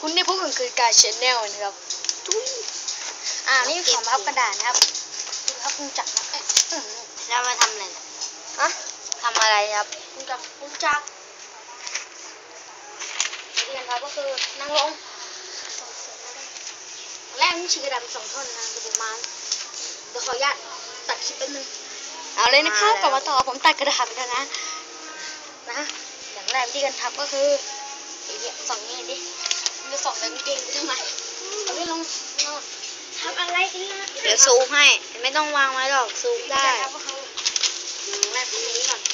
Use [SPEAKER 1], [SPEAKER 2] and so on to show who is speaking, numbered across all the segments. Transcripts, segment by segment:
[SPEAKER 1] คุณได้พบกับคือการชแนลนะครับนี่ของพับกระดาษนะครับดูครับคุณจักรนะ
[SPEAKER 2] แล้วมาทำอะไรนะ
[SPEAKER 1] ฮะ
[SPEAKER 2] ทำอะไรครับ
[SPEAKER 1] คุณจักรวิธีการพับก็คือนั่งลงแรกนี่ฉีกกระดาษเป็น2 ท่อนนะกระดูกม้าเดี๋ยวขออนุญาตตัดคลิปแป๊บนึงเอาเลยนะครับกลับมาต่อผมตัดกระดาษไปแล้วนะอย่างแรกวิธีการพับก็คือเนี่ยส่องนี่ดิจะส่องแบบเก่งไปทำไมเอาไปลงทำอะไรกันนะ
[SPEAKER 2] เดี๋ยวซูมให้ไม่ต้องวางไว้หรอกซูมได้
[SPEAKER 1] แรกทำอย่างนี้ก่อน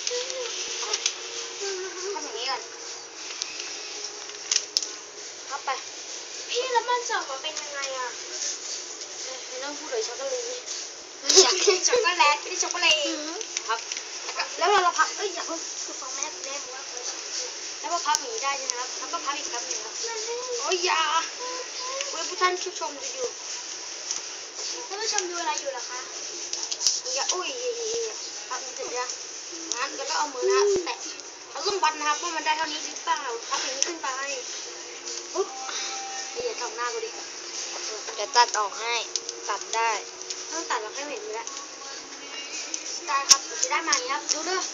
[SPEAKER 1] พับไปพี่แล้วมันส่องมาเป็นยังไงอ่ะไม่ต้องพูดเลยช็อกโกแลตช็อกโกแลตไม่ใช่ช็อกโกแลตครับแล้วเราพับอย่าเพิ่งคือฟังแม่ว่าแล้วก็พับอย่างนี้ได้ใช่ไหมครับแล้วก็พับอีกครับหนึ่งครับโอ้ยอย่าผู้ท่านผู้ชมดูอยู่ท่านผู้ชมดูอะไรอยู่ล่ะคะอย่าพับมันเสร็จแล้วงั้นแล้วก็เอามือนะแตะเราต้องวัดนะครับว่ามันได้เท่านี้หรือเปล่าพับอย่างนี้ขึ้นไปปุ๊บอย่าทำหน้ากูดิ
[SPEAKER 2] เดี๋ยวตัดออกให้ตัดได้
[SPEAKER 1] ต้องตัดเราให้เห็นอยู่แล้วได้ครับจะได้มาอย่างนี้ครับดูด้วย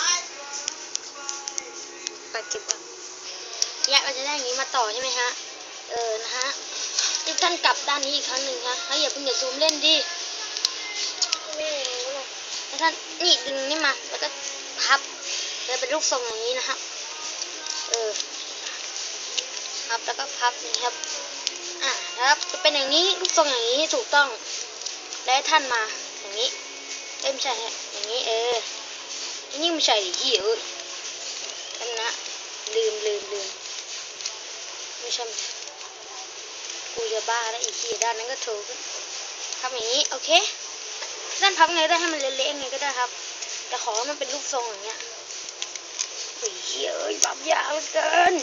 [SPEAKER 2] ตัดคลิปก่อน
[SPEAKER 1] เนี่ยเราจะได้อย่างนี้มาต่อใช่ไหมฮะนะฮะทุกท่านกลับด้านนี้อีกครั้งหนึ่งฮะอย่าเพิ่งซูมเล่นดิท่านนี่ดึงนี่มาแล้วก็พับเลยเป็นรูปทรงอย่างนี้นะครับพับแล้วก็พับนี่ครับนะครับจะเป็นอย่างนี้รูปทรงอย่างนี้ถูกต้องได้ท่านมาอย่างนี้ไม่ใช่อย่างนี้นี่ไม่ใช่ดิท่านนะลืมไม่ใช่กูจะบ้าแล้วอีกทีด้านนั้นก็ถูกทำอย่างนี้โอเคด้านพับไงได้ให้มันเละๆไงก็ได้ครับแต่ขอให้มันเป็นรูปทรงอย่างเงี้ยบับยาวเกิน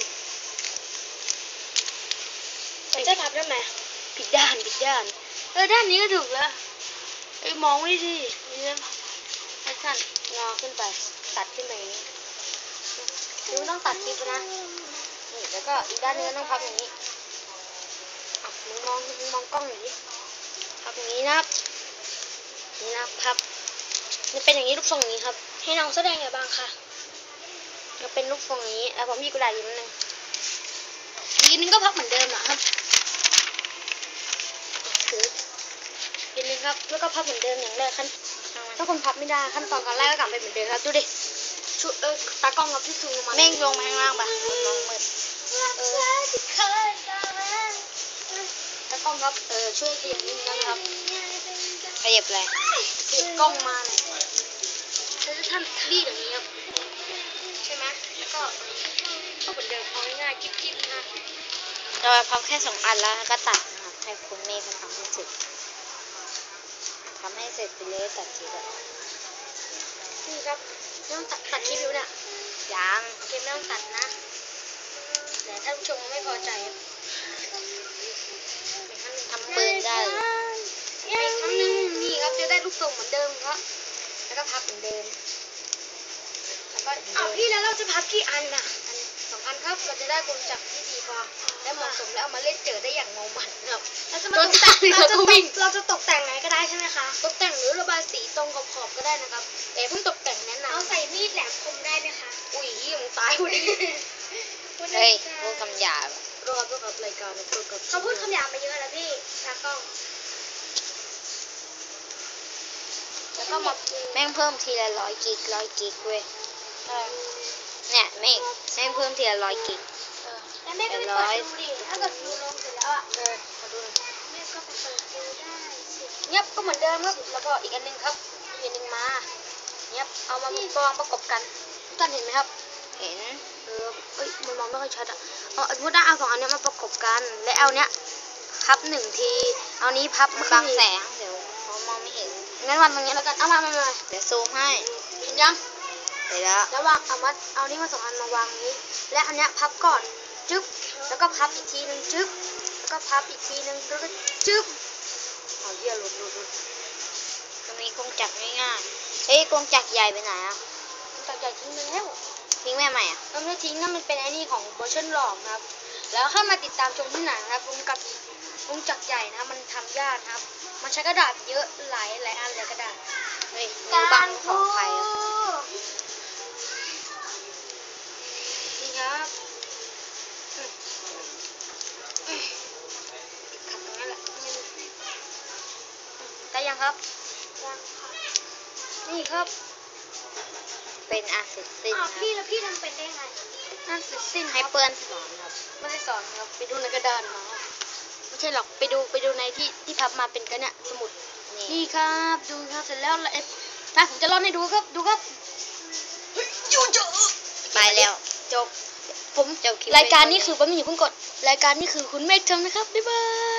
[SPEAKER 1] จะพับได้ไหมผิดด้านด้านนี้ก็ถูกแล้วมองไม่ดีนี่นะให้ท่านงอขึ้นไปตัดขึ้นไปอย่างนี้ดูต้องตัดคลิปนะนี่แล้วก็อีกด้านนึงต้องพับอย่างนี้มึงมองกล้องอย่างนี้พับอย่างนี้นะครับนี่นะพับนี่เป็นอย่างนี้รูปทรงอย่างนี้ครับให้น้องแสดงไงบ้างค่ะจะเป็นรูปทรงอย่างนี้แล้วผมมีกระดาษอยู่นิดนึงอีกนึงก็พับเหมือนเดิมนะครับอีกนึงครับแล้วก็พับเหมือนเดิมอย่างแรกถ้าคนพับไม่ได้ขั้นตอนการแรกก็กลับไปเหมือนเดิมครับดูดิตากล้องกับที่ซูมมา
[SPEAKER 2] เม่งลงมาข้างล่างปะมันมองมืด
[SPEAKER 1] ตากล้องครับช่วยเปลี่ยนนิดนึงนะครับ
[SPEAKER 2] ขยับเลย
[SPEAKER 1] เปลี่ยนกล้องมาเลยแล้วท่านรีดอย่างนี้ครับใช่ไหมแล้วก็เหมือนเดิมเอาง่ายๆกิ๊บๆนะ
[SPEAKER 2] เราพับแค่2 อันแล้วก็ตัดนะครับให้คุณเมฆทำให้เสร็จไปเลยตัดทีแบบ
[SPEAKER 1] นี่ครับไม่ต้องตัดคลิปอยู่เนี่ย
[SPEAKER 2] ยัง
[SPEAKER 1] โอเคไม่ต้องตัดนะแต่ท่านผู้ชมไม่พอใจ
[SPEAKER 2] ทำปืนได้
[SPEAKER 1] อีกครั้งนึงนี่ครับจะได้ลูกทรงเหมือนเดิมครับแล้วก็พับเหมือนเดิมแล้วก็พี่แล้วเราจะพับกี่อันน่ะ2 อันครับเราจะได้กลจักรที่ดีพอและเหมาะสมแล้วเอามาเล่นเจอได้อย่างเมามันครับเราจะตกแต่งไงก็ได้ใช่ไหมคะตกแต่งหรือระบายสีตรงขอบก็ได้นะครับแต่เพิ่งตกแต่งแนะนำเอาใส่มีดแหลมคมได้ไหมคะอุ้ยมึงตายคนนี้
[SPEAKER 2] เฮ้ยพูดคำหยาบ
[SPEAKER 1] รอตัวกับรายการเขาพูดคำหยาบมาเยอะแล้วพี่ตากล้องแล้วก็มา
[SPEAKER 2] แม่งเพิ่มทีละ100 กิกเว้ยเนี่ยแม่งเพิ่มทีละ100 กิก
[SPEAKER 1] แล้วแม่ก็ไปเปิดดูดิถ้าเกิดดูลงเสร็จแล้วมาดูแม่ก็ไปเปิดดูได้เงียบก็เหมือนเดิมครับแล้วก็อีกอันนึงครับอีกอันนึงมาเงียบเอามากองประกบกันท่านเห็นไหมครับ
[SPEAKER 2] เห็น
[SPEAKER 1] มันมองไม่ค่อยชัดพูดได้เอา2 อันนี้มาประกบกันและเอาเนี้ยพับ1 ทีเอานี้พับบ
[SPEAKER 2] างแสงเดี๋ยวเขามองไม่เห็น
[SPEAKER 1] งั้นวันตรงนี้แล้วกันเอามา
[SPEAKER 2] เดี๋ยวซูมให้
[SPEAKER 1] เห็นยัง
[SPEAKER 2] เห็นแล้ว
[SPEAKER 1] วางเอานี่มา2 อันมาวางนี้และอันเนี้ยพับก่อนจึ๊บแล้วก็พับอีกทีนึงจึ๊บแล้วก็พับอีกทีนึงแล้วก็จึ๊บเอาเยี่ยหลุด
[SPEAKER 2] จะมีกงจักรง่ายๆเฮ้ยกงจักรใหญ่ไปไหนอ่ะ
[SPEAKER 1] กงจักรใหญ่ทิ้งไปแล้ว
[SPEAKER 2] ทิ้งแม่ใหม่อ่ะ
[SPEAKER 1] เราไม่ได้ทิ้งนั่นมันเป็นไอ้นี่ของเวอร์ชันหลอกนะครับ แล้วเข้ามาติดตามชมที่ไหนนะครับวงจักรใหญ่นะครับมันทำยากนะครับ มันใช้กระดาษเยอะหลายอันเลยกระดาษ
[SPEAKER 2] เฮ้ยมือบังของใครอ่ะ
[SPEAKER 1] นี่ครับขัดตรงนั้นแหละได้ยังครับนี่ครับ
[SPEAKER 2] เป็นอาเสร็จสิ้นครับ
[SPEAKER 1] พี่แล้วพี่ทำเป็นได้ไงนั่นเสร็จสิ้น
[SPEAKER 2] ให้เพื่อนสอนครับ
[SPEAKER 1] ไม่ได้สอนครับไปดูในกระดานมาไม่ใช่หรอกไปดูในที่พับมาเป็นกันเนี่ยสมุด
[SPEAKER 2] นี่
[SPEAKER 1] นี่ครับดูครับเสร็จแล้วถ้าผมจะร่อนให้ดูครับดูครับยูจบ
[SPEAKER 2] ไปแล้ว
[SPEAKER 1] จบผม
[SPEAKER 2] จบคลิป
[SPEAKER 1] รายการ
[SPEAKER 2] ไว้
[SPEAKER 1] นี้
[SPEAKER 2] เท่านี้
[SPEAKER 1] คือผมอย่าเพิ่งกดรายการนี้คือคุณเมฆทำนะครับบ๊ายบาย